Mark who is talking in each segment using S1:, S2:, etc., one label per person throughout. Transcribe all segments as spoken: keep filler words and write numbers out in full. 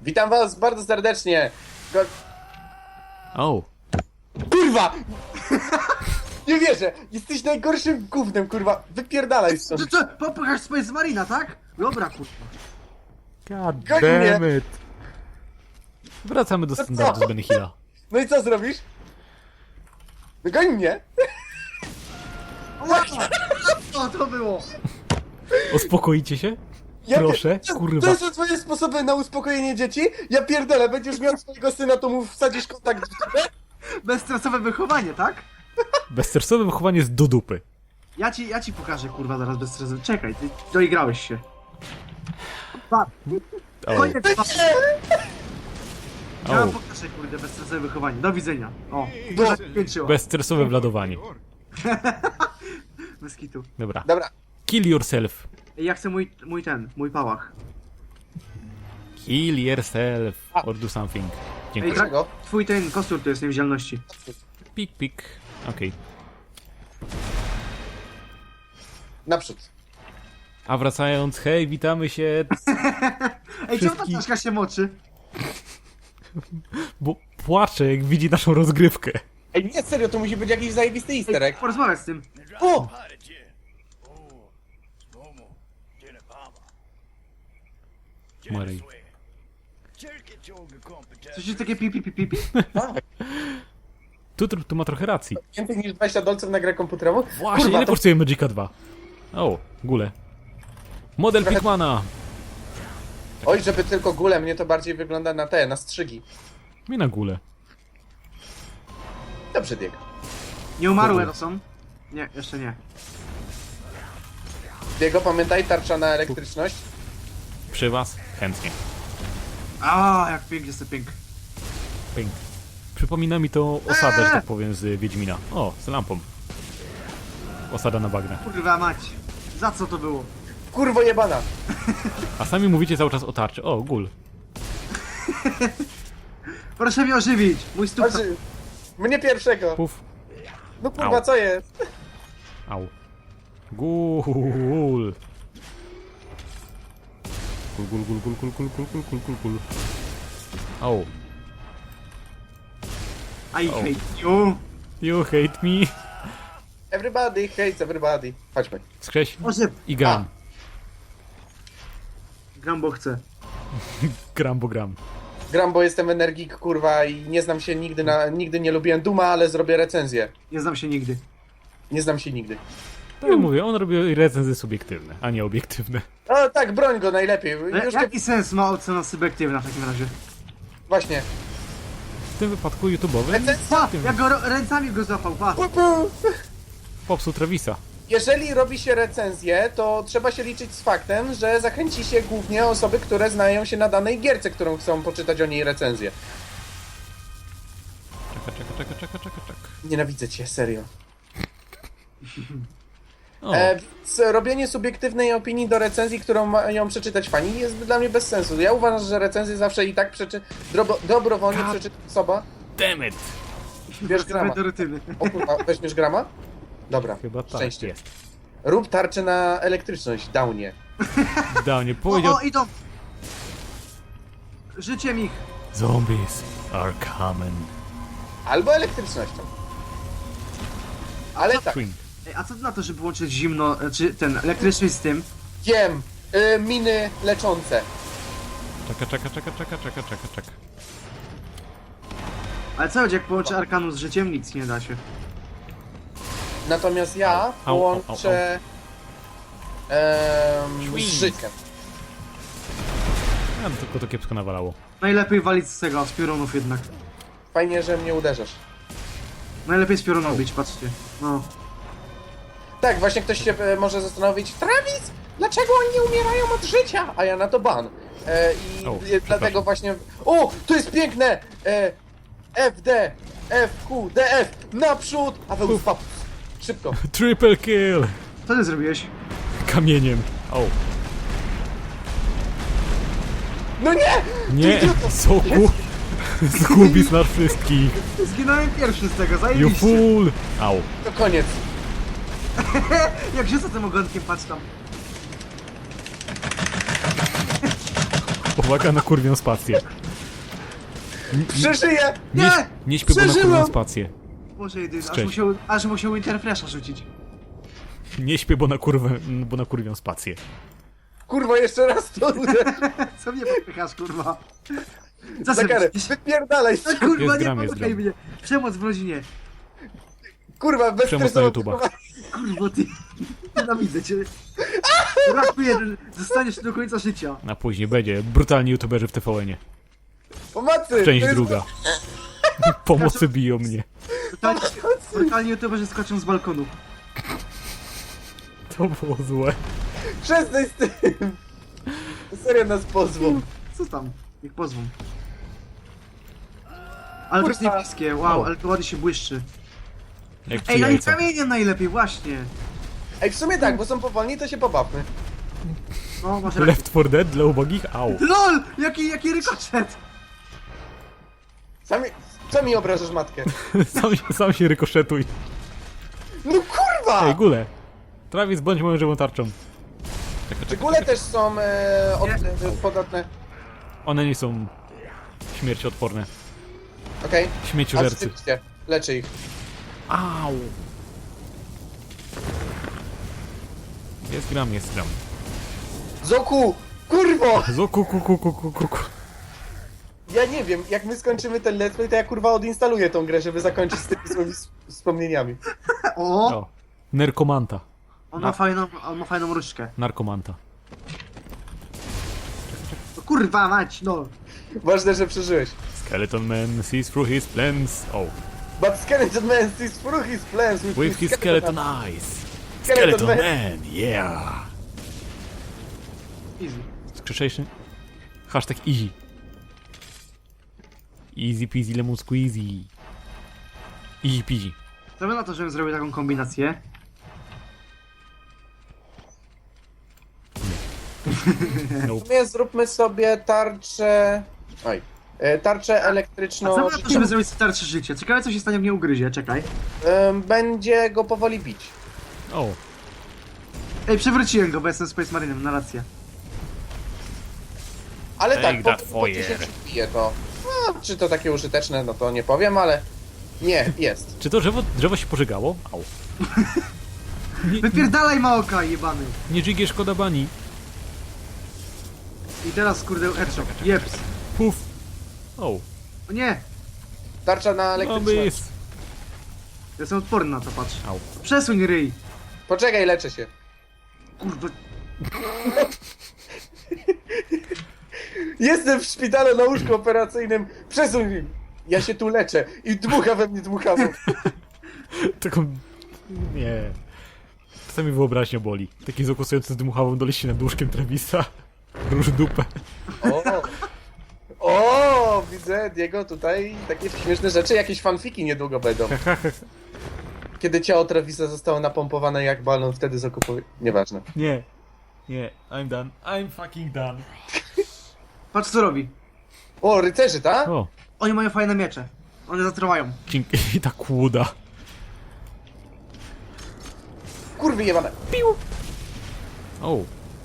S1: Witam was bardzo serdecznie. Ko
S2: O,
S1: kurwa! Nie wierzę! Jesteś najgorszym gównem, kurwa! Wypierdalaj stąd!
S3: Co, co? Popychasz Space Marina, tak? Dobra, kurwa.
S2: god
S1: Goń
S2: damn
S1: mnie.
S2: it. Wracamy do standardu z Benny Hilla.
S1: No i co zrobisz? No goń mnie!
S3: Ła! Co to było?
S2: Uspokoicie się?
S1: Ja
S2: Proszę,
S1: to,
S2: kurwa.
S1: To są twoje sposoby na uspokojenie dzieci? Ja pierdolę, będziesz miał swojego syna, to mu wsadzisz kontakt w dupę?
S3: Bezstresowe wychowanie, tak?
S2: Bezstresowe wychowanie jest do dupy.
S3: Ja ci, ja ci pokażę, kurwa, zaraz bezstresowe. Czekaj, ty doigrałeś się. Pa,
S2: O,
S3: koniec, pa. Ja
S2: o.
S3: wam pokażę, kurde, bezstresowe wychowanie. Do widzenia. O,
S1: Bo-
S3: to zakończyło.
S2: Bezstresowe wladowanie.
S3: Bez kitu.
S2: Dobra.
S1: Dobra,
S2: Kill yourself.
S3: Ej, ja chcę mój, mój ten, mój pałach.
S2: Kill yourself. Or do something.
S3: Ej,
S2: Dziękuję.
S1: dlaczego?
S3: twój ten kostur to jest niewidzialności.
S2: Pik, pik. Okej.
S1: Naprzód.
S2: A wracając, hej, witamy się,
S3: Ej, czemu ta
S2: Wszystkich-
S3: czaszka się moczy?
S2: bo płacze jak widzi naszą rozgrywkę.
S1: Ej, nie, serio, to musi być jakiś zajebisty easter egg.
S3: Porozmawiać z tym.
S1: O!
S2: Marej.
S3: Coś jest takie pipi, pipi, pipi?
S2: Tu, tu, tu ma trochę racji.
S1: Więcej niż dwadzieścia dolców na grę komputerową?
S2: Właśnie,
S1: Kurwa,
S2: ile
S1: to-
S2: kosztuje Magica dwa? O, gule. Model
S1: Trochę-
S2: Pikmana.
S1: Oj, żeby tylko gule, mnie to bardziej wygląda na te, na strzygi.
S2: Mi na gule.
S1: Dobrze, Diego.
S3: Nie umarłe to są? Nie, jeszcze nie.
S1: Diego, pamiętaj, tarcza na elektryczność.
S2: Przy was? Chętnie.
S3: A, jak pięknie jest to pięk.
S2: Pink. Przypomina mi to osadę, że tak powiem, z Wiedźmina. O, z lampą. Osada na bagnach.
S3: Kurwa mać. Za co to było?
S1: Kurwo jebana!
S2: A sami mówicie cały czas o tarczy. O, gul.
S3: Proszę mnie ożywić. Mój stóp.
S1: Znaczy, mnie pierwszego!
S2: Puf.
S1: No kurwa,
S2: Au.
S1: co jest?
S2: Au. Gul. Gul, gul, gul, gul, gul, gul, gul, gul, gul, gul, gul. Au.
S3: I
S2: O.
S3: hate you.
S2: You hate me.
S1: Everybody hates everybody. Chodźmy.
S2: Skrześ
S3: Ożyw.
S2: i gram.
S3: Gram, bo chcę.
S2: Gram, bo gram.
S1: Gram, bo jestem energik, kurwa, i nie znam się nigdy na... Nigdy nie lubiłem Duma, ale zrobię recenzję.
S3: Nie znam się nigdy.
S1: Nie znam się nigdy.
S2: Tak jak mówię, on robi recenzje subiektywne, a nie obiektywne.
S1: O tak, broń go najlepiej.
S3: Ale
S1: Już
S3: jaki sens ma ocena subiektywna w takim razie?
S1: Właśnie.
S2: W tym wypadku YouTube'owym
S3: Pa! Jak go ro- ręcami go złapał, pa!
S1: Pu, pu.
S2: popsuł Travisa.
S1: Jeżeli robi się recenzję, to trzeba się liczyć z faktem, że zachęci się głównie osoby, które znają się na danej gierce, którą chcą poczytać o niej recenzję.
S2: Czeka, czeka, czeka, czeka, czeka, czeka.
S1: Nienawidzę cię, serio.
S2: O,
S1: E, więc robienie subiektywnej opinii do recenzji, którą mają przeczytać fani, jest dla mnie bez sensu. Ja uważam, że recenzję zawsze i tak przeczy... Drobo... dobrowolnie
S2: God.
S1: przeczyta osoba.
S2: damn it!
S1: Bierz grama.
S3: do rutyny.
S1: O kurwa, weźmiesz grama? Dobra,
S2: Chyba tak
S1: szczęście.
S2: jest.
S1: Rób tarczę na elektryczność, downie.
S2: Downie
S3: O,
S2: powiedział...
S3: o, idą! Życiem ich!
S2: Zombies are coming.
S1: Albo elektrycznością. Ale tak,
S2: Swing.
S3: Ej, a co ty na to, żeby łączyć zimno, czy ten elektryczny z tym?
S1: wiem, y, miny leczące.
S2: Czeka, czeka, czeka, czeka, czeka, czeka, czeka.
S3: Ale co będzie, jak połączę Arkanu z życiem? Nic nie da się.
S1: Natomiast ja
S2: Au, au,
S1: połączę em, z
S2: Swing.
S1: życiem.
S2: Ja tylko to kiepsko nawalało.
S3: Najlepiej walić z tego, z piorunów jednak.
S1: Fajnie, że mnie uderzasz.
S3: Najlepiej z piorunów bić, patrzcie. No.
S1: Tak, właśnie ktoś się e, może zastanowić, Travis, dlaczego oni nie umierają od życia? A ja na to ban. E, I
S2: O,
S1: e,
S2: przepraszam.
S1: dlatego właśnie... O, to jest piękne! E, F D, F Q, D F, naprzód! A wy uspap. Szybko.
S2: Triple kill!
S3: Co ty zrobiłeś?
S2: Kamieniem. O.
S1: No nie!
S2: Nie,
S1: idioto.
S2: soku! Zgubisz nas wszystkich.
S3: Zginąłem pierwszy z tego,
S2: You
S3: zajebiście.
S2: fool! Au.
S1: To koniec.
S3: Jak rzucę tym ogonkiem, patrz tam.
S2: Uwaga na kurwią spację.
S1: Przeżyję!
S2: Nie,
S3: Nie!
S2: nie śpię, bo na kurwią
S1: Przeżyłem!
S2: spację.
S3: Boże jedyny, aż
S2: Cześć.
S3: musiał, aż musiał Interfresha rzucić.
S2: Nie śpię, bo na kurwę, bo na kurwią spację.
S1: Kurwa, jeszcze raz to uderz.
S3: Co mnie popychasz, kurwa? Co
S1: Za
S3: sobie
S1: karę.
S3: myślisz?
S1: Wypierdalaj.
S3: No, kurwa,
S2: Jest
S3: nie
S2: gram, jest
S3: popychaj
S2: gram.
S3: mnie. Przemoc w rodzinie.
S1: Kurwa, bez
S2: Przemoc na YouTube'a.
S3: Kurwa, ty. Nienawidzę cię. Raz jeden, zostaniesz do końca życia.
S2: A później będzie brutalni youtuberzy w T V N-ie.
S1: Pomocy!
S2: Część
S1: to jest-
S2: druga. Pomocy biją mnie.
S3: Brutalnie, brutalnie youtuberzy skoczą z balkonu.
S2: To było złe.
S1: Przestań z tym! Serio nas pozwą.
S3: Co tam? Niech pozwą. Ale to jest
S1: Kurwa.
S3: niebieskie, wow,
S2: O.
S3: ale to ładnie się błyszczy.
S2: Jak przy
S3: Ej, no i
S2: jajca.
S3: kamieniem najlepiej, właśnie.
S1: Ej, w sumie tak, bo są powolni, to się pobawmy.
S3: No, masz rację.
S2: Left four Dead dla ubogich? Au.
S3: LOL! Jaki, jaki rykoszet!
S1: Sami... Co mi obrażasz matkę?
S2: Sam, się- sam się rykoszetuj.
S1: No kurwa!
S2: Ej, gule. Travis, bądź moją żywą tarczą. Czekaj,
S1: Czy
S2: czekaj.
S1: góle też są e, od,
S3: Nie.
S1: e, podatne?
S2: One nie są śmierciodporne.
S1: Okej.
S2: Śmieciożercy.
S1: Rzeczywiście, leczę ich.
S2: Au. Jest gram, jest gram.
S1: Zoku! Kurwo!
S2: Zo ku ku ku ku ku ku ku.
S1: Ja nie wiem, jak my skończymy ten let's play, to ja kurwa odinstaluję tą grę, żeby zakończyć z tymi złymi s- wspomnieniami.
S3: O!
S2: O. Nerkomanta.
S3: On ma fajną, on ma fajną różdżkę.
S2: Narkomanta.
S3: No kurwa mać, no!
S1: Ważne, że przeżyłeś.
S2: Skeleton Man sees through his plans. Oh.
S1: But Skeleton Man sees through his plans with,
S2: With his skeleton eyes.
S1: Skeleton
S2: Skeleton
S1: Man.
S2: Man, yeah.
S3: Easy.
S2: Skrzeszejszy. Hashtag easy. Easy peasy lemon squeezy. Easy peasy.
S3: Co by na to, żebym zrobił taką kombinację?
S1: W
S2: Nope.
S1: sumie zróbmy sobie tarczę... Oj. E, Tarczę
S3: A
S1: elektryczną...
S3: co by na to, żeby zrobić starsze życie? Ciekawe co się stanie, jak mnie ugryzie, czekaj.
S1: Em, Będzie go powoli bić.
S2: O.
S3: Ej, przewróciłem go, bo jestem Space Marinem, na rację.
S1: Ale
S2: Take
S1: tak,
S2: that
S1: po, po ci się
S2: fire.
S1: przybije to... No, czy to takie użyteczne, no to nie powiem, ale... Nie, jest.
S2: Czy to drzewo, drzewo się pożegało? Au. Nie,
S3: Wypierdalaj Maoka, jebany!
S2: nie dżigie, szkoda bani.
S3: I teraz kurde headshot. Jeps.
S2: Puf. O.
S3: O nie!
S1: Tarcza na elektryczność.
S2: Obys.
S3: Jestem odporny na to, patrz.
S2: Au.
S3: Przesuń ryj!
S1: Poczekaj, leczę się.
S3: Kurwa.
S1: Jestem w szpitalu na łóżku operacyjnym. Przesuń mi. Ja się tu leczę. I dmucha we mnie dmuchawą.
S2: Taką... Nie. Czasami wyobraźnia boli. Taki zakusujący z dmuchawą doleci nad łóżkiem Travisa. Róż dupę.
S1: O! O! Widzę, Diego, tutaj takie śmieszne rzeczy. Jakieś fanfiki niedługo będą. Kiedy ciało Travisa zostało napompowane jak balon, wtedy zakupuje... Nieważne.
S2: Nie. Nie. I'm done. I'm fucking done.
S3: Patrz co robi.
S1: O, rycerzy, tak?
S2: O.
S3: Oni mają fajne miecze. One zatruwają.
S2: Dzięki. I ta kłuda.
S1: Kurwy jebane.
S2: O.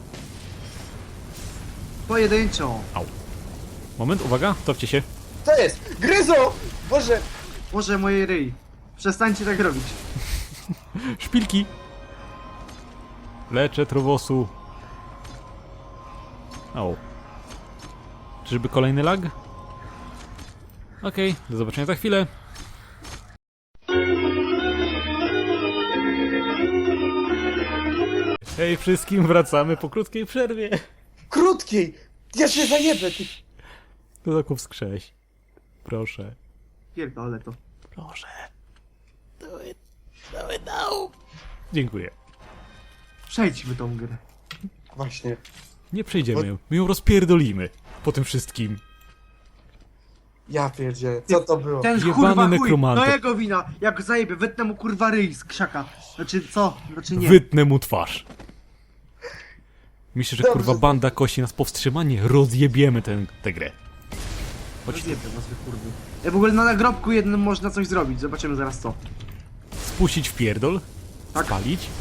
S3: Pojedynczo.
S2: Au. Moment, uwaga. Topcie się.
S1: Co jest? Gryzo! Boże!
S3: Może moje ryj. Przestańcie tak robić.
S2: Szpilki. Leczę trowosu. O. Czyżby kolejny lag? Okej, do zobaczenia za chwilę. Hej wszystkim, wracamy po krótkiej przerwie.
S1: Krótkiej! Ja się zajebę, ty...
S2: Kozaków skrześ. Proszę.
S3: Pierdolę to.
S2: Proszę. Do it. Do it now. Dziękuję.
S3: Przejdźmy tą grę.
S1: Właśnie.
S2: Nie przejdziemy, my ją rozpierdolimy. Po tym wszystkim.
S1: Ja pierdzie, co to było?
S3: Ten
S2: Jebany
S3: kurwa chuj,
S2: nekromanto.
S3: no jego wina. Jak zajebie, wytnę mu kurwa ryj z krzaka. Znaczy co? Znaczy nie.
S2: Wytnę mu twarz. Myślę, że
S1: Dobrze.
S2: kurwa banda kości nas powstrzyma? Nie, rozjebiemy tę tę grę. Chodź tu.
S3: Rozjebię was wy kurwy. Ja w ogóle na nagrobku jednym można coś zrobić. Zobaczymy zaraz co.
S2: Spuścić w pierdol.
S3: Tak.
S2: Spalić.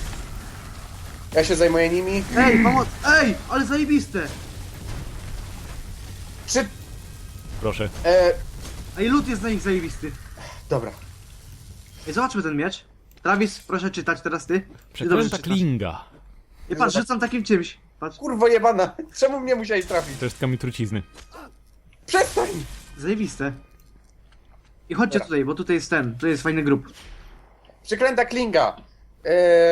S1: Ja się zajmuję nimi.
S3: Ej, pomoc! Ej, ale zajebiste!
S1: Czy...
S2: Proszę.
S1: E,
S3: Ej, lód jest na nich zajebisty.
S1: dobra.
S3: Ej, zobaczmy ten miecz. Travis, proszę czytać teraz ty. Ty dobrze
S2: Przeklęta
S3: czytasz.
S2: klinga.
S3: I patrz, rzucam takim czymś. Patrz,
S1: Kurwo jebana, czemu mnie musiałeś trafić?
S2: To jest kamień trucizny.
S1: Przestań!
S3: zajebiste. I chodźcie
S1: Dobra.
S3: tutaj, bo tutaj jest ten, to jest fajny grób.
S1: Przeklęta klinga. E,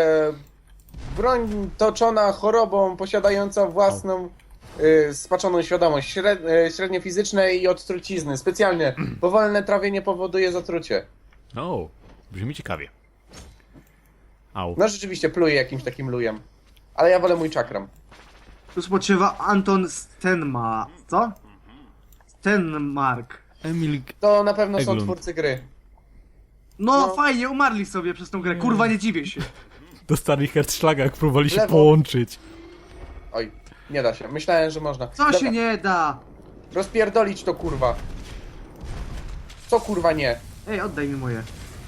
S1: broń toczona chorobą, posiadająca własną e, spaczoną świadomość, śred, e, średnie fizyczne i od trucizny. Specjalnie. Powolne trawienie powoduje zatrucie.
S2: O, brzmi ciekawie. Au.
S1: No rzeczywiście pluje jakimś takim lujem. Ale ja wolę mój czakram.
S3: Tu spoczywa Anton Stenma. Co? Stenmark.
S2: Emil...
S1: To na pewno są
S2: Eglund.
S1: twórcy gry.
S3: No,
S1: No.
S3: fajnie, umarli sobie przez tą grę. Kurwa, nie dziwię się.
S2: Do starych Herzschlaga, jak próbowali się
S1: Lewo.
S2: połączyć.
S1: Oj, nie da się. Myślałem, że można.
S3: Co
S1: Dobra,
S3: się nie da?
S1: rozpierdolić to kurwa. Co kurwa nie?
S3: Ej, oddaj mi moje.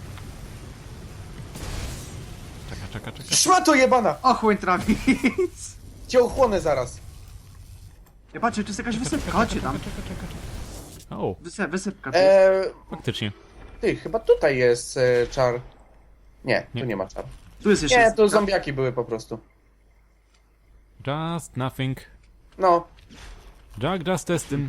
S2: Czeka, czeka, czeka.
S1: Szmato jebana!
S3: Ochłoń Travis.
S1: Cię ochłonę zaraz.
S3: Ja patrzę, czy jest jakaś wysypka. Chodźcie tam.
S2: O,
S3: Wysy wysypka. Tu jest.
S1: Eee,
S2: faktycznie.
S1: ty, chyba tutaj jest e, czar. Nie,
S2: Nie.
S1: tu nie ma czar.
S3: Tu jest jeszcze
S1: Nie, to
S3: wysypka.
S1: zombiaki były po prostu.
S2: Just nothing.
S1: No,
S2: Jack just testing.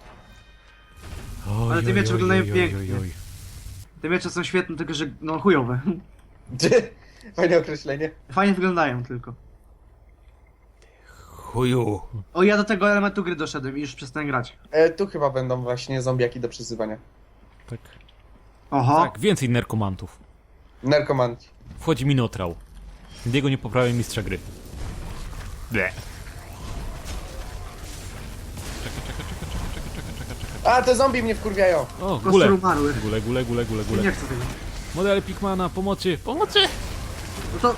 S2: Oj,
S3: Ale te
S2: oj,
S3: miecze
S2: oj,
S3: wyglądają
S2: oj, oj,
S3: pięknie.
S2: oj.
S3: Te miecze są świetne, tylko że no chujowe.
S1: fajne określenie.
S3: Fajnie wyglądają tylko.
S2: Chuju.
S3: O, ja do tego elementu gry doszedłem i już przestałem grać.
S1: E, tu chyba będą właśnie zombiaki do przyzywania.
S2: Tak.
S3: Oho.
S2: Tak, więcej narkomantów.
S1: Narkomanci.
S2: Wchodzi Minotrał. Diego nie poprawia mistrza gry. Ble. Czekaj, czekaj, czekaj, czekaj, czekaj, czekaj, czekaj, czekaj.
S1: A, te zombie mnie wkurwiają.
S2: O,
S3: Kostur
S2: gule.
S3: umarłych.
S2: Gule, gule, gule, gule,
S3: Nie
S2: gule.
S3: chcę tego.
S2: Model Pikmana, pomocy, pomocy!
S3: No to...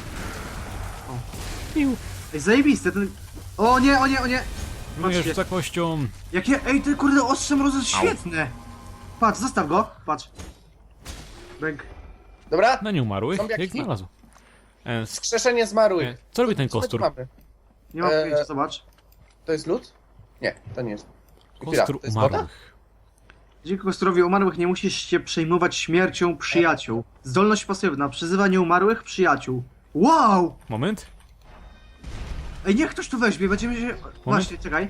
S2: Piu.
S3: Ej, zajebiste, ten... O nie, o nie, o nie!
S2: Myjesz
S3: Patrzcie.
S2: za kością.
S3: Jakie... Ej, ty kurde, ostrze mrozu jest świetne! Patrz, zostaw go, patrz. Bęk.
S1: Dobra?
S2: Na nie umarłych,
S1: Zombiaki?
S2: jak znalazł. E, s-
S1: Wskrzeszenie
S2: e,
S1: zmarłych.
S2: co robi ten
S1: Co my tu
S2: kostur?
S1: mamy?
S3: Nie mam
S1: Eee,
S3: pojęcia, zobacz.
S1: To jest lód? Nie, to nie jest. Chwila,
S2: Kostur
S1: to jest woda?
S2: umarłych.
S3: Dzięki kostorowi umarłych nie musisz się przejmować śmiercią przyjaciół. Zdolność pasywna, przyzywanie umarłych przyjaciół. Wow!
S2: Moment.
S3: Ej, niech ktoś tu weźmie, będziemy się... Właśnie, czekaj.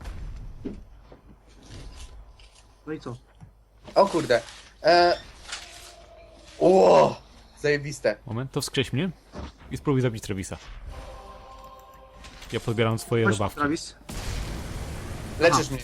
S3: No i co?
S1: O kurde. E... Ło! Zajebiste.
S2: Moment, to wskrześ mnie i spróbuj zabić Travisa. Ja podbieram swoje
S3: Chodź,
S2: zabawki.
S3: Travis.
S1: Leczysz
S3: Aha.
S1: mnie.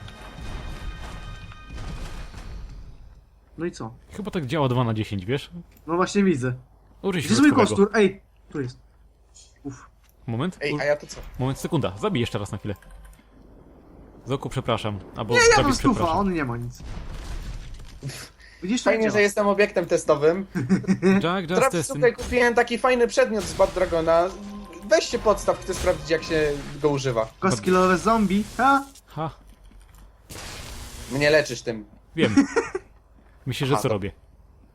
S3: No i co?
S2: Chyba tak działa dwa na dziesięć, wiesz?
S3: No właśnie widzę.
S2: Użyj
S3: Gdzie jest mój
S2: środkowego.
S3: kostur? Ej, tu jest. Uff.
S2: Moment,
S1: Ej,
S2: u-
S1: a ja to co?
S2: moment, sekunda. Zabij jeszcze raz na chwilę. Zoku, przepraszam. Albo
S3: Nie, ja mam
S2: Travis,
S3: stufa,
S2: przepraszam.
S3: on nie ma nic. Widzisz, to
S1: Fajnie,
S3: działa.
S1: że jestem obiektem testowym.
S2: Jack, just
S1: Teraz
S2: testing.
S1: tutaj kupiłem taki fajny przedmiot z Bad Dragona. Weź się podstaw, chcę sprawdzić jak się go używa.
S3: Kostkilowe zombie, ha?
S2: Ha,
S1: Mnie leczysz tym.
S2: wiem. Myślę, że
S1: Aha,
S2: co
S1: to-
S2: robię.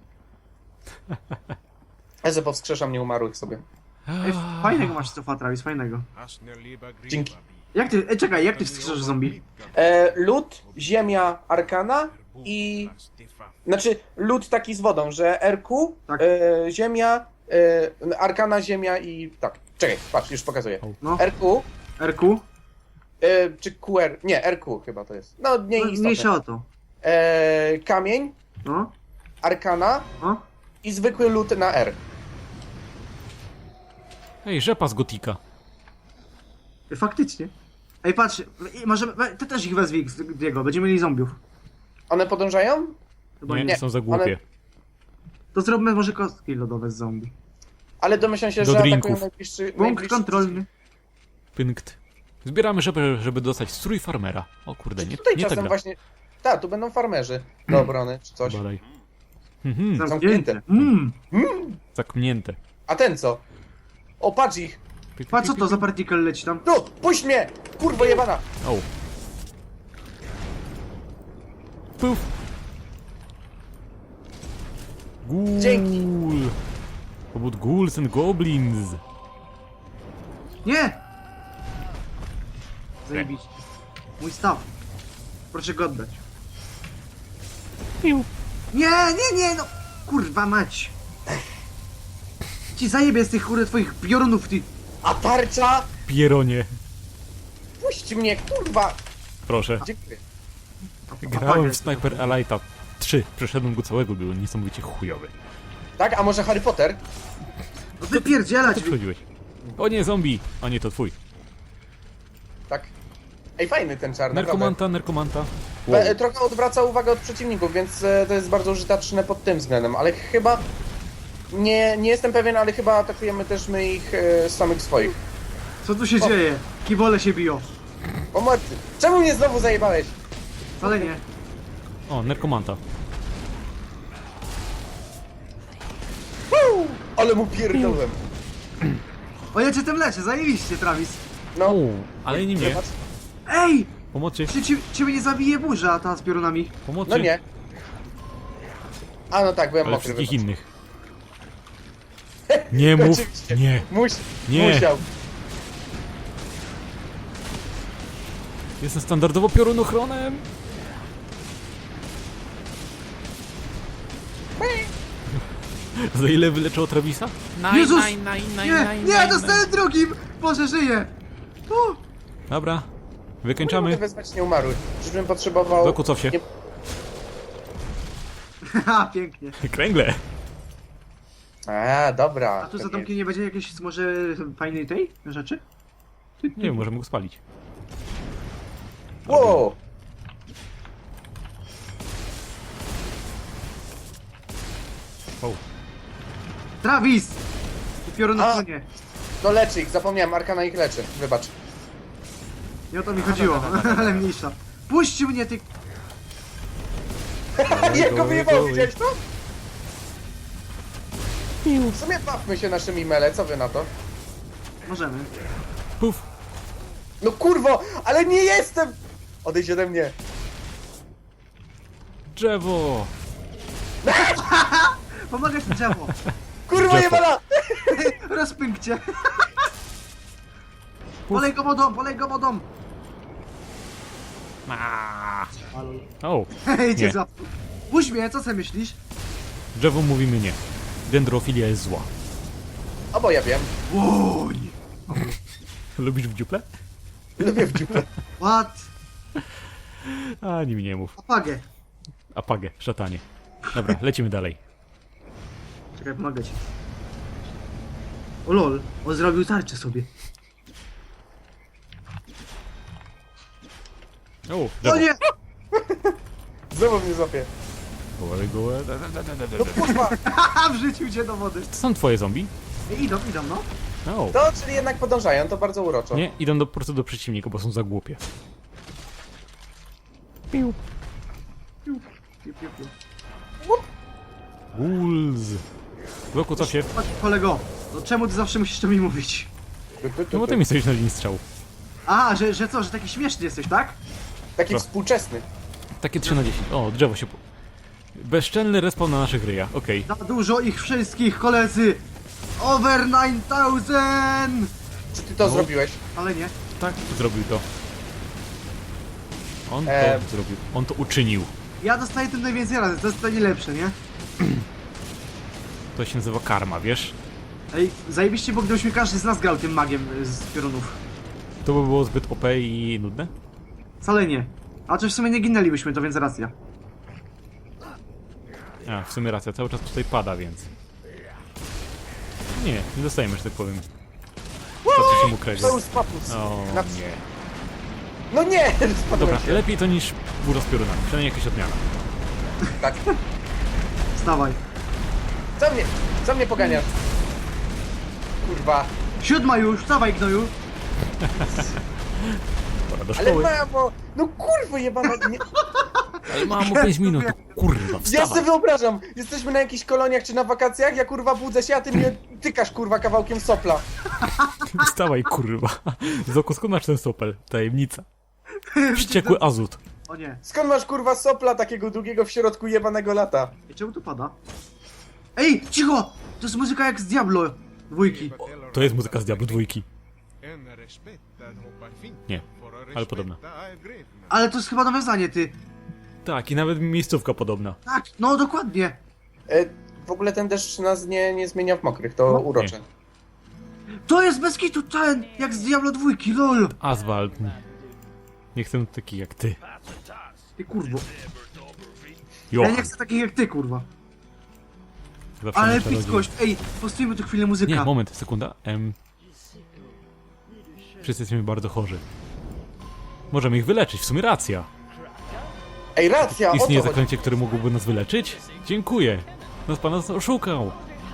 S1: Ja że powskrzeszam nieumarłych sobie.
S3: Ej, fajnego masz stufa, Travis, fajnego.
S1: Dzięki.
S3: Jak ty, ej, czekaj, jak ty wskrzyżasz zombie?
S1: E, lód, ziemia, arkana i... Znaczy, lód taki z wodą, że R Q,
S3: Tak.
S1: e, ziemia, e, arkana, ziemia i... Tak, czekaj, patrz, już pokazuję.
S3: No,
S1: R Q,
S3: R Q?
S1: e, czy Q R... Nie, R Q chyba to jest. No, nie
S3: No,
S1: istotne.
S3: mniejsza o to.
S1: E, kamień,
S3: No,
S1: arkana
S3: no.
S1: i zwykły lód na R.
S2: Ej, rzepa z Gotika.
S3: Ej, faktycznie. Ej, patrz, i możemy, we- ty też ich wezwij, Diego, będziemy mieli zombiów.
S1: One podążają?
S3: Chyba
S2: Nie,
S3: nie.
S1: nie.
S2: są za głupie.
S1: One-
S3: To zróbmy może kostki lodowe z zombie.
S1: Ale domyślam się,
S2: Do
S1: że
S2: drinków.
S1: atakują najbliższy...
S3: Punkt
S1: najbliższy...
S3: kontrolny.
S2: Pynkt. Zbieramy rzepę, żeby dostać strój farmera. O kurde, nie,
S1: Tutaj
S2: nie ta
S1: czasem
S2: gra.
S1: właśnie... Tak, tu będą farmerzy do obrony czy coś.
S2: Badaj. Mhm,
S3: Zamknięte. Mmm.
S2: zakmnięte.
S1: A ten co? O, patrz ich!
S3: Patrz, co to za partikel leci tam?
S1: Tu! Puść mnie! Kurwo jebana!
S2: O. Puf. Ghoul.
S1: Dzięki.
S2: Pobud ghouls and goblins.
S3: Nie! Zajebiście. Mój staw. Proszę go oddać.
S2: Piu.
S3: Nie, nie, nie, no! Kurwa mać! Ci zajebie z tych kurde twoich piorunów, ty...
S1: A tarcza?
S2: Pieronie.
S1: Puść mnie, kurwa!
S2: Proszę.
S1: Dziękuję.
S2: Grałem w Sniper Elite'a trzy. Przeszedłem go całego, był niesamowicie chujowy.
S1: Tak, a może Harry Potter?
S3: No wypierdzielać!
S2: Co przychodziłeś? O nie, zombie! A nie, to twój.
S1: Tak. Ej, fajny ten czar, naprawdę.
S2: Nerkomanta, nerkomanta. Wow.
S1: E, Trochę odwraca uwagę od przeciwników, więc e, to jest bardzo użyteczne pod tym względem, ale chyba... Nie, nie jestem pewien, ale chyba atakujemy też my ich e, samych swoich.
S3: Co tu się
S1: O.
S3: dzieje? Kiwole się biją.
S1: Pomocy! Czemu mnie znowu zajebałeś?
S3: Wcale nie.
S2: O, nerkomanta.
S1: Woo! Ale mu pierdolłem.
S3: O, ja cię tym leczę, zajebiście, Travis.
S1: No,
S2: O, ale nie mnie.
S1: zobacz.
S3: Ej!
S2: Pomocy,
S3: Czy ci, ciebie nie zabije burza ta z piorunami?
S2: pomocy.
S1: No nie. A no tak, byłem
S2: Ale
S1: mokry.
S2: wszystkich
S1: wybacz.
S2: innych. Nie mów,
S1: Oczywiście.
S2: nie.
S1: Muś,
S2: Nie.
S1: Musiał.
S2: Jestem standardowo piorunochronem. Za ile wyleczyło Travisa?
S3: Jezus! Nie, nie, dostałem drugim! Boże, żyję! O,
S2: Dobra,
S1: Mogę
S2: wykończamy.
S1: wezwać nieumarłych. Czyżbym potrzebował...
S2: Doku, cof się.
S1: Nie...
S3: haha, pięknie.
S2: Kręgle.
S1: A, dobra.
S3: A tu za
S1: Tak
S3: domkiem nie będzie jakiejś może fajnej tej rzeczy?
S2: Nie wiem, możemy go spalić.
S1: jest. Wow!
S2: O,
S3: Travis! Ty
S1: A.
S3: piorunochronie.
S1: No leczy ich, zapomniałem, Arkana ich leczy. Wybacz.
S3: Nie o to mi chodziło, ale mniejsza. Puść mnie, ty...
S1: Jak go
S2: go,
S1: wyjebał,
S2: go,
S1: widziałeś to? W sumie bawmy się naszymi mele, co wy na to?
S3: Możemy.
S2: puf.
S1: No kurwo, ale nie jestem! Odejdź ode mnie.
S2: Drzewo.
S3: Pomagać mi drzewo.
S1: Kurwa
S2: Drzewo.
S1: jebana!
S3: Rozpękcie. Polej go wodą, polej go wodą.
S2: O,
S3: Hej, cię
S2: Nie.
S3: za... Puść mnie, co sobie myślisz?
S2: drzewo mówimy nie. Dendrofilia jest zła.
S1: O, bo ja wiem.
S3: Łoń.
S2: Lubisz w dziuple?
S1: Lubię w dziupę.
S3: What?
S2: A, nim nie mów.
S3: Apagę.
S2: Apagę, szatanie. Dobra, lecimy dalej.
S3: Czekaj, pomagę ci. O lol, on zrobił tarczę sobie.
S2: O,
S3: O
S2: drzewo.
S3: nie!
S1: Znowu mnie złapie.
S2: Gołe, gołe.
S1: No kurwa!
S3: Haha, wrzucił cię do wody.
S2: To są twoje zombie?
S3: Ej, idą, idą, no.
S2: No.
S1: To, czyli jednak podążają, to bardzo uroczo.
S2: Nie, idą do, po prostu do przeciwnika, bo są za głupie. Piu.
S3: Piu, piu, piu, piu.
S2: Wolves. Bloku, co się?
S3: Chodź, kolego, no czemu ty zawsze musisz to mi mówić?
S1: Tu, tu, tu,
S2: No bo
S1: tu.
S2: ty mi stoisz na linii strzału.
S3: A, że, że co, że taki śmieszny jesteś, tak?
S1: Taki
S2: Co?
S1: współczesny.
S2: Takie trzy na dziesięć. O, drzewo się... Po... Bezczelny respawn na naszych ryjach, okej.
S3: Za dużo ich wszystkich, koledzy! Over nine thousand!
S1: Czy ty to
S2: No.
S1: zrobiłeś?
S3: Ale nie.
S2: Tak, zrobił to. On to
S1: Em.
S2: zrobił. On to uczynił.
S3: Ja dostaję tym najwięcej razy, to jest to najlepsze, nie?
S2: To się nazywa karma, wiesz?
S3: Ej, zajebiście, bo gdybyśmy każdy z nas grał tym magiem y, z piorunów.
S2: To by było zbyt O P i nudne?
S3: Wcale nie. A czy w sumie nie ginęlibyśmy, to więc racja.
S2: A, w sumie racja, cały czas tutaj pada, więc... Nie, nie dostajemy, że tak powiem. Co się mu kredzie?
S1: To już papus.
S2: O
S1: Na-
S2: nie.
S1: No nie! Spadłem
S2: Dobra,
S1: się.
S2: lepiej to niż burza z piorunami. Przynajmniej jakaś odmiana.
S1: Tak.
S3: Wstawaj.
S1: Co mnie? Co mnie poganiasz? Kurwa.
S3: Siódma już, wstawaj, gnoju.
S2: Pora do
S1: Ale
S2: szkoły.
S1: mamo! No kurwa jebana! Nie...
S2: Ale mamo, pięć minut, to kurwa,
S1: Ja
S2: wstawaj.
S1: sobie wyobrażam! Jesteśmy na jakichś koloniach czy na wakacjach, ja kurwa budzę się, a ty mnie tykasz kurwa kawałkiem sopla.
S2: Wstawaj, kurwa. Zoku, skąd masz ten sopel? Tajemnica. Wściekły azut.
S3: O nie.
S1: Skąd masz kurwa sopla takiego długiego w środku jebanego lata?
S3: I czemu tu pada? Ej, cicho! To jest muzyka jak z Diablo dwójki.
S2: To jest muzyka z Diablo dwójki.
S4: En respect att hoppa fin.
S2: Nie.
S4: For
S2: ale podobna.
S3: Ale to jest chyba nawiązanie, ty.
S2: Tak, i nawet miejscówka podobna.
S3: Tak, no dokładnie.
S1: E, w ogóle ten deszcz nas nie, nie zmienia w mokrych, to
S3: No,
S1: urocze.
S3: To jest bez kitu ten, jak z Diablo dwójki, lol.
S2: Asfalt. Nie chcę taki jak ty.
S3: Ty kurwo.
S2: Jo.
S3: Ja nie chcę takich jak ty, kurwa.
S2: Zawsze
S3: Ale
S2: na czarodziej.
S3: epickość. Ej, postawimy tu chwilę muzyka.
S2: Nie, moment, sekunda. Em... Wszyscy jesteśmy bardzo chorzy. Możemy ich wyleczyć, w sumie racja.
S1: Ej, racja, o
S2: Istnieje
S1: co chodzi?
S2: zaklęcie, które mogłoby nas wyleczyć? Dziękuję. Nas pan nas oszukał.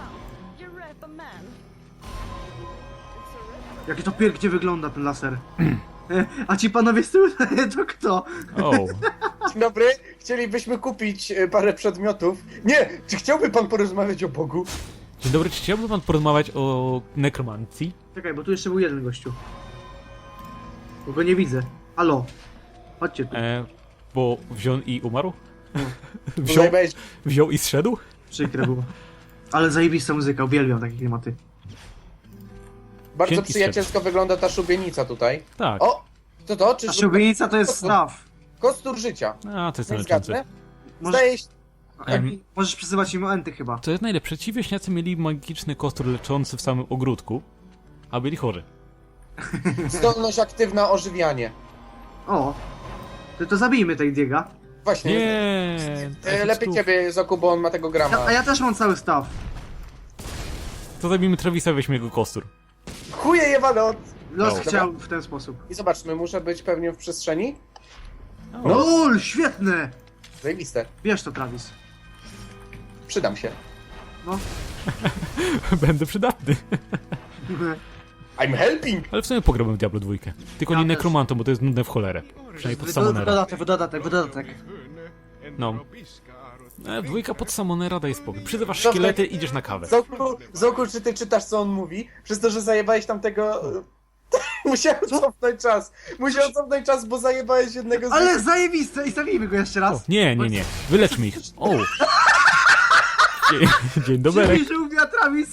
S3: Jakie to pięknie wygląda ten laser. E, A ci panowie z tyłu, to kto?
S2: O,
S1: Dzień dobry, chcielibyśmy kupić e, parę przedmiotów. Nie, czy chciałby pan porozmawiać o Bogu?
S2: dzień dobry, czy chciałby pan porozmawiać o nekromancji?
S3: Czekaj, bo tu jeszcze był jeden gościu. Bo go nie widzę. Halo. Chodźcie tu.
S2: E, bo wziął i umarł?
S1: Bo
S2: Wziął,
S1: zajebałeś...
S2: wziął i zszedł?
S3: Przykre było. Ale zajebista muzyka, uwielbiam takie klimaty.
S1: Bardzo
S2: Dzięki,
S1: przyjacielsko wygląda ta szubienica tutaj.
S2: Tak.
S1: O, to to? Czy
S3: A szubienica to jest
S1: Kostur-
S3: staw.
S1: Kostur życia.
S2: A, to jest
S1: Nie
S2: leczące.
S1: zgadnę?
S3: Może-
S1: Zdaje się...
S2: Em,
S3: Możesz przyzywać im enty chyba.
S2: To jest najlepsze. Ci wieśniacy mieli magiczny kostur leczący w samym ogródku, a byli chorzy.
S1: Zdolność aktywna ożywianie.
S3: O. To, to zabijmy tej Diega.
S1: Właśnie.
S2: Nie.
S1: E, lepiej ciebie, Zoku, bo on ma tego grama.
S3: Ja, a ja też mam cały staw.
S2: To zabijmy Travisa, weźmy jego kostur.
S1: Chuje jebane od...
S3: Los
S2: O.
S3: chciał w ten sposób.
S1: I zobaczmy, muszę być pewnie w przestrzeni?
S2: O,
S1: No.
S3: LOL, świetne!
S1: Zajebiste.
S3: Bierz to, Travis.
S1: Przydam się.
S3: No.
S2: Będę przydatny.
S1: I'm helping!
S2: Ale w sumie pograłbym w Diablo dwa. Tylko
S3: Ja
S2: nie
S3: też.
S2: nekromantą, bo to jest nudne w cholerę. Przynajmniej pod
S3: Wy-
S2: Samonera.
S3: Dodatek, dodatek, dodatek.
S2: No. E, dwójka pod Samonera daje spokój. Przyzywasz
S1: Dobra.
S2: szkielety, idziesz na kawę.
S1: Zoku, Zoku, czy ty czytasz, co on mówi? Przez to, że zajebałeś tamtego... Musiałem cofnąć czas. Musiałem cofnąć czas, bo zajebałeś jednego z...
S3: Ale zajebiste! I zabijmy go jeszcze
S2: O,
S3: raz.
S2: nie, nie, nie. Wyleczmy ich. O! Dzień, dzień dobry.
S3: Czyli, że ubija Travis.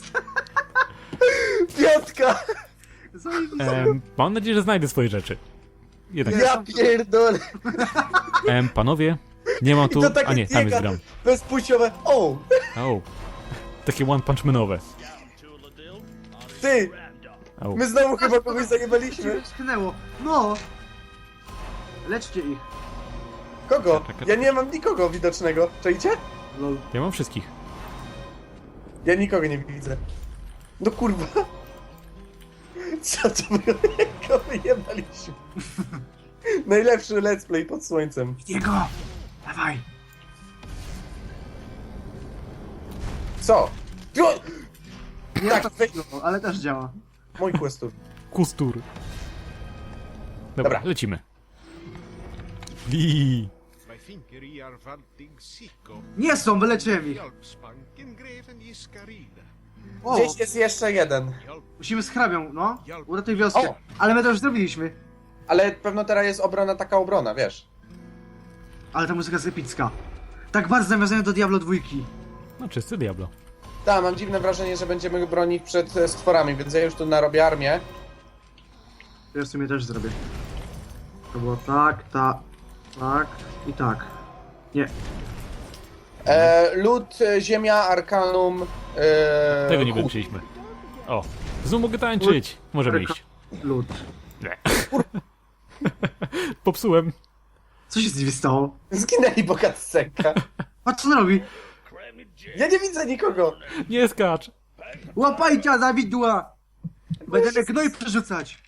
S1: Piątka!
S3: Zajebiste.
S2: Em, mam nadzieję, że znajdę swoje rzeczy. Jednak.
S1: Ja pierdolę!
S2: Em, panowie, nie mam tu...
S1: I to takie
S2: A nie, tam jest
S1: biega
S2: gram.
S1: bezpłciowe. O!
S2: O. Takie one punch manowe.
S1: Ty!
S2: O.
S1: My znowu chyba kogoś zajebaliśmy.
S3: Tknęło. No. Leczcie ich.
S1: Kogo?
S2: Czekaj.
S1: Ja nie mam nikogo widocznego. Czajcie?
S3: Lol.
S2: Ja mam wszystkich.
S1: Ja nikogo nie widzę. No kurwa. Co to było? Jak go wyjebaliśmy? Najlepszy let's play pod słońcem.
S3: Diego! Dawaj.
S1: Co? Jo!
S3: Nie
S1: Tak,
S3: to
S1: weź
S3: no, ale też działa.
S1: mój questur.
S2: Kustur. Dobra,
S1: Dobra.
S2: lecimy. Bii.
S3: Nie są, wyleczyłem ich. O,
S1: Gdzieś jest jeszcze jeden.
S3: musimy z hrabią, no. Uratuj wioskę.
S1: O.
S3: Ale my to już zrobiliśmy.
S1: Ale pewno teraz jest obrona taka obrona, wiesz.
S3: Ale ta muzyka jest epicka. Tak bardzo nawiązania do Diablo dwójki.
S2: No, czysty Diablo.
S1: Tak, mam dziwne wrażenie, że będziemy bronić przed e, stworami, więc ja już tu narobię armię.
S3: To ja w sumie też zrobię. To było tak, tak, tak i tak. Nie.
S1: E, lód, e, ziemia, arkanum. E,
S2: Tego nie
S1: chłód.
S2: wyczuliśmy. O, znów mogę tańczyć. Możemy iść.
S3: Lód.
S2: Nie. Popsułem.
S3: Co się z nimi stało?
S1: Zginęli bogatcenka.
S3: Patrz co on robi.
S1: Ja nie widzę nikogo.
S2: Nie skacz.
S3: Łapajcie za widła! Będę gnoj przerzucać.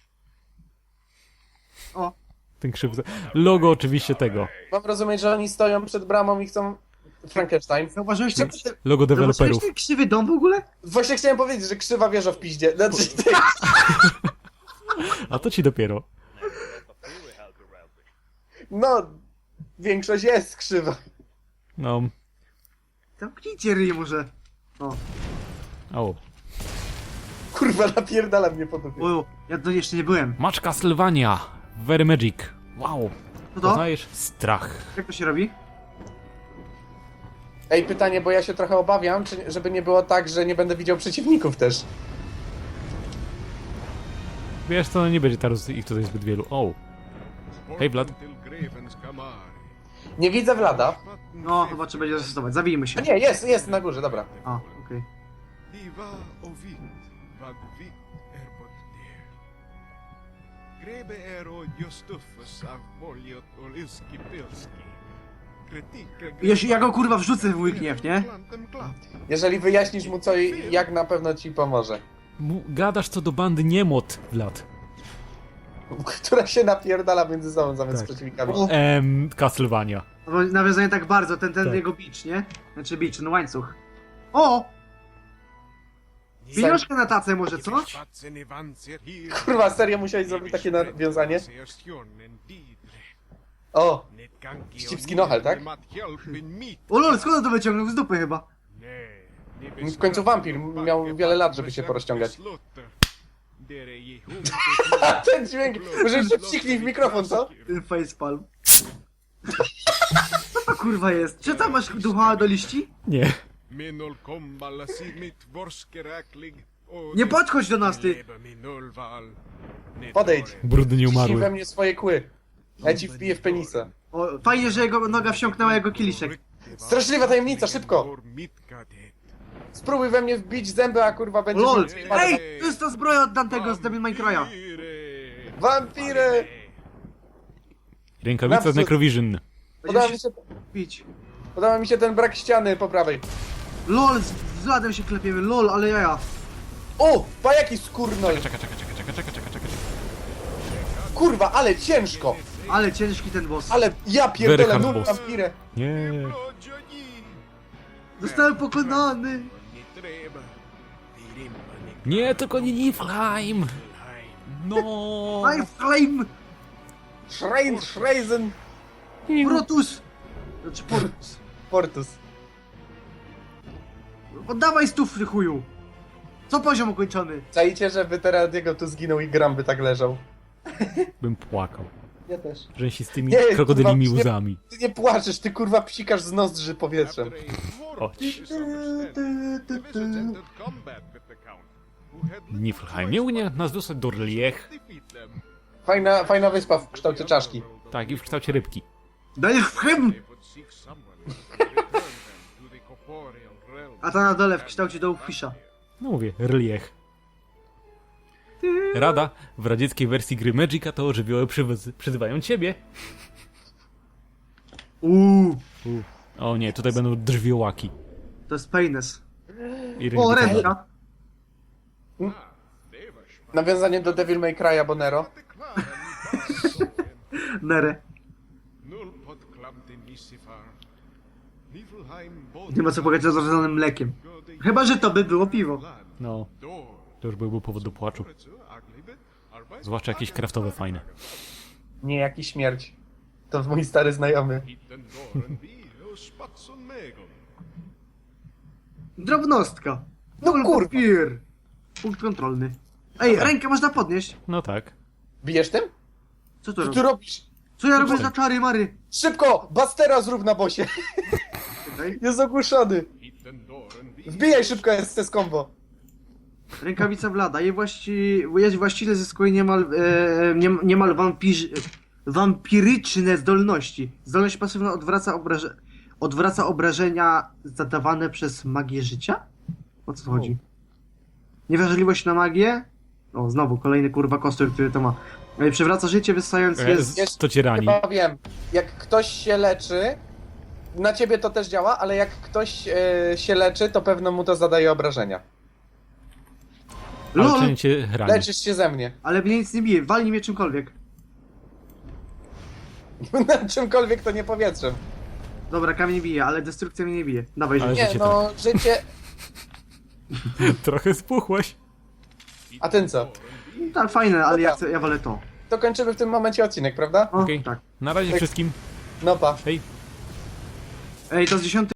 S3: O,
S2: Ten krzyw... Logo oczywiście tego.
S1: Mam rozumieć, że oni stoją przed bramą i chcą... Frankenstein.
S3: zauważyłeś ten,
S2: Logo
S3: zauważyłeś
S2: deweloperów.
S3: ten krzywy dom w ogóle?
S1: Właśnie chciałem powiedzieć, że krzywa wieża w piździe. Znaczy, ty...
S2: A to ci dopiero.
S1: No, większość jest krzywa.
S2: No.
S3: Zamknijcie ryj może. O,
S2: O.
S1: Kurwa, napierdala mnie po dupie.
S3: o, ja to jeszcze nie byłem.
S2: Match Castlevania. Very Magic. Wow.
S3: Co to?
S2: Poznajesz? Strach.
S3: Jak to się robi?
S1: Ej, pytanie, bo ja się trochę obawiam, czy, żeby nie było tak, że nie będę widział przeciwników też.
S2: Wiesz co, no nie będzie teraz ich tutaj zbyt wielu. O. Hej, Vlad.
S1: Nie widzę Vlada.
S3: No, chyba trzeba będzie zastosować. Zabijmy się.
S1: A nie, jest, jest na górze, dobra.
S3: A, okej.
S4: Grebe ero Jostufus av Voljot Olyski Pilski.
S3: Jeśli ja go kurwa wrzucę w mój gniew, nie?
S1: Jeżeli wyjaśnisz mu co i jak, na pewno ci pomoże.
S2: Mu- Gadasz co do bandy niemot, Vlad.
S1: Która się napierdala między sobą zamiast
S2: Tak.
S1: przeciwnikami.
S3: O.
S2: Em, Castlevania.
S3: No, nawiązanie tak bardzo, ten, ten
S2: Tak.
S3: jego bicz, nie? Znaczy bicz, no łańcuch. O! Pieniążkę na tacę może, co?
S1: Kurwa, serio musiałeś zrobić takie nawiązanie? O, Ścipski nohel, tak?
S3: O lol, skąd on to wyciągnął? Z dupy chyba.
S1: w końcu wampir miał wiele lat, żeby się porozciągać. A ten dźwięk, może się psiknij w mikrofon, co?
S3: Ten facepalm. Co to kurwa jest? Czy tam masz ducha do liści?
S2: Nie.
S3: Nie podchodź do nas, ty!
S1: Podejdź.
S2: Brudny
S1: Ciśnij we
S2: nieumarły.
S1: mnie swoje kły. Ja ci wbiję w penisa.
S3: O, fajnie, że jego noga wsiąknęła jego kieliszek.
S1: Straszliwa tajemnica, szybko! Spróbuj we mnie wbić zęby, a kurwa
S3: O
S1: będzie...
S3: lol! Ej! To jest ta zbroja od Dantego z Devil May Cry'a.
S1: Wampiry!
S2: Rękawica z
S1: Naprzód.
S2: Necrovision.
S1: Podoba
S3: Będziemy
S1: mi
S3: się
S1: się,
S3: bić.
S1: podoba mi się ten brak ściany po prawej.
S3: LOL, z z ladem się klepiemy, lol, ale jaja.
S1: O! Pa jaki skurnol!
S2: Czeka, czeka, czeka, czeka, czeka, czeka, czeka.
S1: Kurwa, ale ciężko!
S3: Ale ciężki ten boss.
S1: Ale ja
S2: Very
S1: pierdolę,
S2: hard
S1: nul
S2: boss.
S1: wampirę!
S2: Nie.
S3: Zostałem pokonany.
S2: Nie, tylko nie Niflheim. No.
S3: My flame!
S1: Schrein, Schreisen,
S3: Protus! Znaczy Portus.
S1: Portus.
S3: Oddawaj stówny chuju. Co poziom ukończony?
S1: Czajcie, żeby teraz jego tu zginął i Gram by tak leżał.
S2: Bym płakał.
S1: Ja też.
S2: Że z tymi
S1: Nie,
S2: krokodylimi
S1: kurwa, nie-
S2: łzami.
S1: Ty nie płaczesz, ty kurwa psikasz z nozdrzy powietrzem.
S2: Chodź. Niflheim. Nie unie nas dostać do Rliech.
S1: Fajna, fajna wyspa w kształcie czaszki.
S2: Tak, i w kształcie rybki.
S3: Daj w hymn! A ta na dole w kształcie Dogfisha.
S2: No mówię, Rliech. Rada, w radzieckiej wersji gry Magica to żywioły przywozy- przyzywają ciebie.
S3: Uuu,
S2: U. O nie, tutaj będą drwiołaki.
S3: to jest penis.
S2: I
S3: O,
S2: ręce.
S3: ręka.
S1: Nawiązanie do Devil May Cry'a Bonero.
S3: Nere. Nie ma co powiedzieć o zrodzonym mlekiem. Chyba, że to by było piwo.
S2: No, to już byłby powód do płaczu. Zwłaszcza jakieś kraftowe fajne.
S1: Nie, jaki śmierć. To mój stary znajomy.
S3: Drobnostka.
S1: No
S3: Full
S1: kurwa.
S3: papier. Punkt kontrolny. Ej, rękę można podnieść.
S2: No tak.
S1: Bijesz tym?
S3: Co to
S1: Co
S3: robi?
S1: ty robisz?
S3: Co ja robię za czary mary?
S1: Szybko! Bastera zrób na bosie!
S3: Czekaj.
S1: Jest ogłuszony! Wbijaj szybko S S combo!
S3: Rękawica Vlada. Jej właści... Jej właściciel zyskuje niemal, e, nie, niemal wampirz... wampiryczne zdolności. Zdolność pasywna odwraca, obraże... odwraca obrażenia zadawane przez magię życia? O co chodzi? Niewrażliwość na magię? O, znowu kolejny kurwa kostur, który to ma. E, Przywraca życie wysając je z...
S2: E, to cię rani.
S1: Chyba wiem. Jak ktoś się leczy, na ciebie to też działa, ale jak ktoś e, się leczy, to pewno mu to zadaje obrażenia.
S2: Ale
S3: LOL!
S2: czy cię rani.
S1: Leczysz się ze mnie.
S3: Ale mnie nic nie bije, walnij mnie czymkolwiek.
S1: Na czymkolwiek to nie powietrzem.
S3: Dobra, kamień bije, ale destrukcja mnie nie bije. Dawaj,
S2: Ale
S3: życie.
S1: Nie,
S2: życie
S1: no, życie...
S2: Trochę spuchłeś.
S1: A ten co?
S3: Tak, fajne, ale ja,
S1: Dobra.
S3: chcę, ja wolę to.
S1: To kończymy w tym momencie odcinek, prawda?
S3: O,
S2: Okej.
S3: tak.
S2: Na razie
S1: Tak.
S2: wszystkim.
S1: No pa.
S2: Hej.
S3: Ej, to z dziesiątej